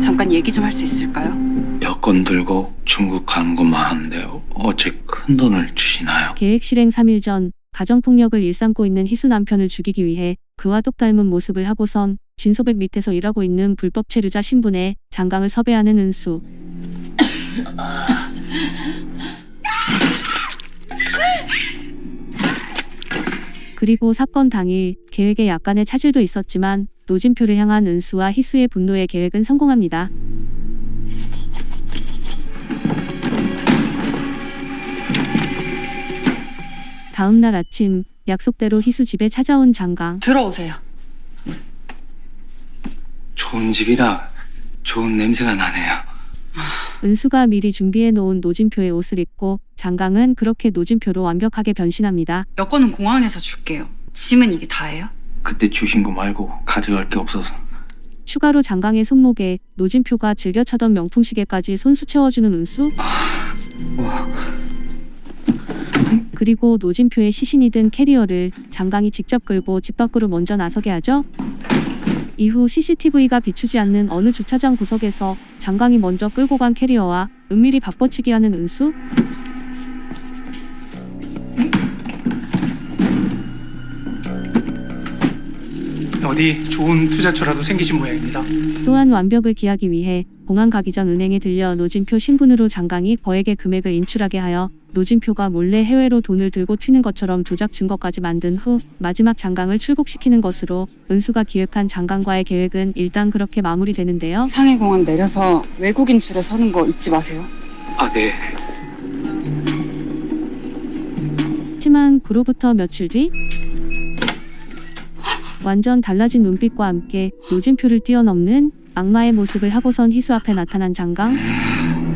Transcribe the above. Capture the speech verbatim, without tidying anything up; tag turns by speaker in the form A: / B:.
A: 잠깐 얘기 좀 할 수 있을까요?
B: 여권 들고 중국 가는 것만 하는데 어째 큰 돈을 주시나요?
C: 계획 실행 삼 일 전 가정폭력을 일삼고 있는 희수 남편을 죽이기 위해 그와 똑 닮은 모습을 하고선 진소백 밑에서 일하고 있는 불법 체류자 신분의 장강을 섭외하는 은수. 그리고 사건 당일 계획에 약간의 차질도 있었지만 노진표를 향한 은수와 희수의 분노의 계획은 성공합니다. 다음 날 아침 약속대로 희수 집에 찾아온 장강.
A: 들어오세요.
B: 좋은 집이라 좋은 냄새가 나네요.
C: 은수가 미리 준비해 놓은 노진표의 옷을 입고 장강은 그렇게 노진표로 완벽하게 변신합니다.
A: 여권은 공항에서 줄게요. 짐은 이게 다예요?
B: 그때 주신 거 말고 가져갈 게 없어서.
C: 추가로 장강의 손목에 노진표가 즐겨 차던 명품 시계까지 손수 채워주는 은수.
B: 와.
C: 그리고 노진표의 시신이 든 캐리어를 장강이 직접 끌고 집 밖으로 먼저 나서게 하죠. 이후 씨씨티비가 비추지 않는 어느 주차장 구석에서 장강이 먼저 끌고 간 캐리어와 은밀히 바꿔치기 하는 은수.
D: 어디 좋은 투자처라도 생기신 모양입니다.
C: 또한 완벽을 기하기 위해 공항 가기 전 은행에 들려 노진표 신분으로 장강이 거액의 금액을 인출하게 하여 노진표가 몰래 해외로 돈을 들고 튀는 것처럼 조작 증거까지 만든 후 마지막 장강을 출국시키는 것으로 은수가 기획한 장강과의 계획은 일단 그렇게 마무리되는데요.
A: 상해공항 내려서 외국인 줄에 서는 거 잊지 마세요.
B: 아, 네.
C: 하지만 그로부터 며칠 뒤 완전 달라진 눈빛과 함께 노진표를 뛰어넘는 악마의 모습을 하고선 희수 앞에 나타난 장강.